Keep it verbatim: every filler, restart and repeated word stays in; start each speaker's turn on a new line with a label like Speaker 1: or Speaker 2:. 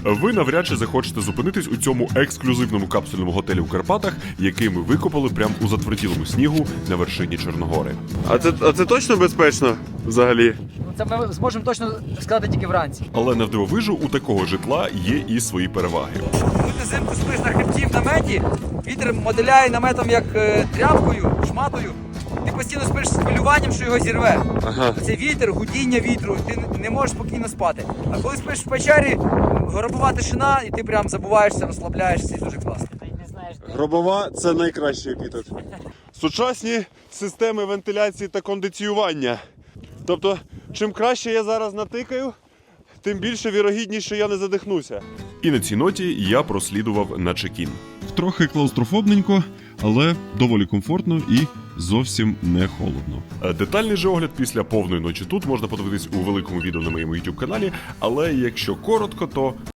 Speaker 1: ви навряд чи захочете зупинитись у цьому ексклюзивному капсульному готелі у Карпатах, який ми викопали прямо у затверділому снігу на вершині Чорногори.
Speaker 2: А це, а це точно безпечно взагалі?
Speaker 3: Ну, це ми зможемо точно сказати тільки вранці.
Speaker 1: Але навдивовижу, у такого житла є і свої переваги.
Speaker 3: Коли ти взимку спиш на хребті в наметі, вітер моделяє наметом як е, тряпкою, шматою. Ти постійно спиш з хвилюванням, що його зірве.
Speaker 2: Ага.
Speaker 3: Це вітер, гудіння вітру, ти не можеш спокійно спати. А коли спиш в печері, гробова тишина, і ти прям забуваєшся, розслабляєшся, і дуже класно.
Speaker 2: Гробова – це найкращий епітет. Сучасні системи вентиляції та кондиціювання. Тобто, чим краще я зараз натикаю, тим більше вірогідність, що я не задихнуся.
Speaker 1: І на цій ноті я прослідував на чекін.
Speaker 4: Трохи клаустрофобненько, але доволі комфортно і зовсім не холодно.
Speaker 1: Детальний же огляд після повної ночі тут можна подивитись у великому відео на моєму YouTube каналі, але якщо коротко, то